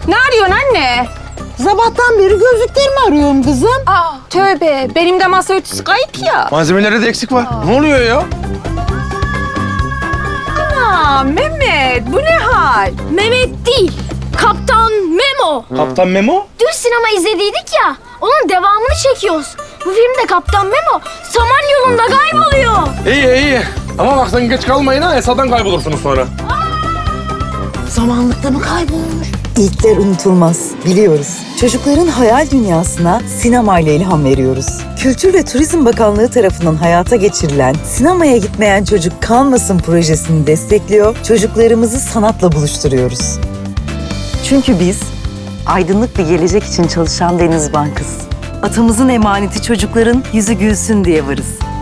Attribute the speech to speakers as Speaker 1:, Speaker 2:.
Speaker 1: Ne arıyorsun anne?
Speaker 2: Sabahtan beri gözlüklerimi arıyorum kızım.
Speaker 1: Aa, tövbe. Benim de masa örtüsü kayıp ya.
Speaker 3: Malzemelerde de eksik var. Ne oluyor ya?
Speaker 1: Aa, Mehmet bu ne hal?
Speaker 4: Mehmet değil, Kaptan Memo.
Speaker 3: Kaptan Memo?
Speaker 4: Dün sinema izlediydik ya, onun devamını çekiyoruz. Bu filmde Kaptan Memo Samanyolu'nda kayboluyor.
Speaker 3: İyi. Ama bak sen geç kalmayın ha. Esadan kaybolursunuz sonra.
Speaker 2: Zamanlıkta mı kaybolmuş?
Speaker 5: İlkler unutulmaz, biliyoruz. Çocukların hayal dünyasına sinemayla ilham veriyoruz. Kültür ve Turizm Bakanlığı tarafından hayata geçirilen Sinemaya Gitmeyen Çocuk Kalmasın projesini destekliyor, çocuklarımızı sanatla buluşturuyoruz. Çünkü biz aydınlık bir gelecek için çalışan Deniz Bankası. Atamızın emaneti çocukların yüzü gülsün diye varız.